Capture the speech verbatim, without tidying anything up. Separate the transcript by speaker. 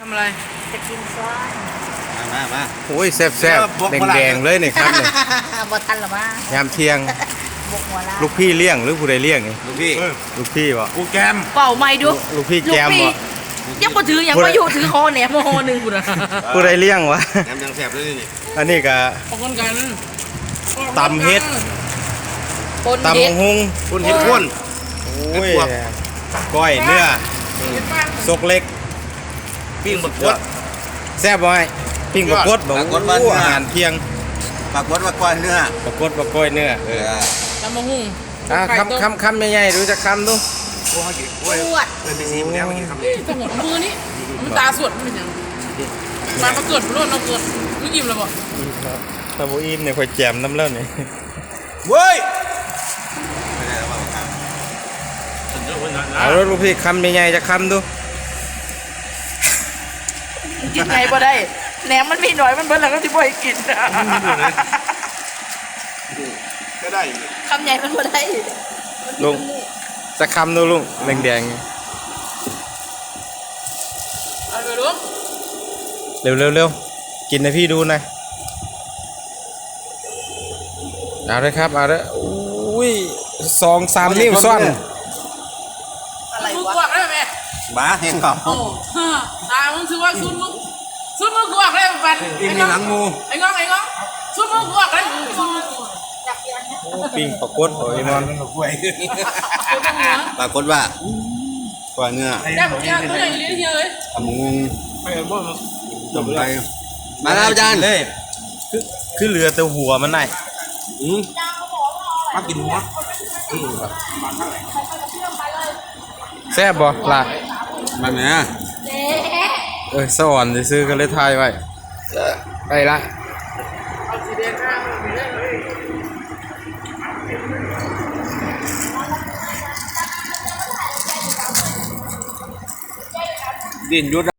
Speaker 1: ทำอะไร
Speaker 2: จะกินซ้อน
Speaker 3: มามามา
Speaker 4: โอ้ยแซ่บแซ่บแดงแดงๆเลยนี่ครับเนี่ย
Speaker 2: บทันหรอวะ
Speaker 4: ยามเที่ยง
Speaker 2: บกหัวละ
Speaker 4: ลูกพี่เลี้ยงหรือผู้ใดเลี้ยงนี่
Speaker 3: ลูกพี่
Speaker 4: ลูกพี่บ่
Speaker 3: กูแกม
Speaker 1: เป่าไม่ดู
Speaker 4: ลูกพี่แจมบ่
Speaker 1: ยังบ่ถือยังบ่อยู่ถือคอแหนมคอหนึ่งกูนะ
Speaker 4: ผู้ใดเลี้ยงวะ
Speaker 3: แกมยังแสบเลยนี่
Speaker 4: อันนี้ก็
Speaker 1: ออกกันกัน
Speaker 4: ตำเฮ็ด
Speaker 1: ปน
Speaker 4: ตำ
Speaker 1: เฮ็
Speaker 4: บั
Speaker 1: ด
Speaker 4: กฮุง
Speaker 3: คุณเห็ดข้น
Speaker 4: โอ้ยก้อยเนื้อซกเล็ก
Speaker 3: ปิ้งบดกด
Speaker 4: แซ่บบ่ไอ้ปิ้งปลากดบ่
Speaker 3: ปลากดบ้าน
Speaker 4: โอ้
Speaker 3: เนื้อ
Speaker 4: อาหารเที่ยง
Speaker 3: ปลากดว่าก้อนเนื้อ
Speaker 4: ปลากดปลาก้อยเนื้อ
Speaker 3: เออ
Speaker 1: ตำมะฮุ่ง
Speaker 4: อ่ะคำคำคำใหญ่ๆดูจะคำดู
Speaker 3: โอ้ยโอ้ย
Speaker 1: ปวด
Speaker 3: เออไปซีมันแล้วมันกินคำนี้
Speaker 1: จังหวะมือนี่มันตาสวดมันเป็นยังมาประเกิดรุ่นเราเกิดไม่ยิ้มเลยบ่
Speaker 4: ถ้าบ่อิ่มเนี่ยค่อยแจมน้ำเล่านี่
Speaker 3: เว้ยไม่ได้แล้วว่าครับ
Speaker 4: เอาแล้วลูกพี่คำใหญ่ๆจะคำดู
Speaker 1: กินไงบ่ได้แหนมมันมีหน่อยมันเบิ่แล้วก็สิบ่ให้กิน
Speaker 3: ก็ได้
Speaker 1: คำใหญ่มันบ่ได้
Speaker 4: ลุงจะคำดูลุงแดง
Speaker 1: เอาไปดู
Speaker 4: ๆเร็วเร็วเร็วกินให้พี่ดูหน่อยเอาเลยครับเอาเลยอุ้ยสองสามนิ้วซ่อน
Speaker 1: อะไรวะกวกได้ไหม
Speaker 3: บ้าเห็นเปล่า
Speaker 1: โอ้ฮ่าตามึงถือว่าซุนมึงซุนมึงกวกได้บัด
Speaker 3: ปิ้งในหลังงู
Speaker 1: ไอ้ง้องไอ้ง้องซุนมึงกวกได้ซุนมึงกวก
Speaker 4: โอ้ปิ้งปลากดโอ้ยมอน
Speaker 3: กล้วยปลากดว่าก้อนเนื้อ
Speaker 1: แก้ผมยากตัวใหญ่เลี้ยงเยอะเลย
Speaker 3: ทำงูจมไปมาแล้วอาจารย์
Speaker 4: เลยคือคือเรือแต่หัวมันไหน
Speaker 3: อืมมากินหัว
Speaker 4: แซ่บบ่ล่ะ
Speaker 3: มันเนี่ย
Speaker 4: เออสวรรค์ซื้อๆก็เลยทายไว้ไปละ
Speaker 3: ดินยุด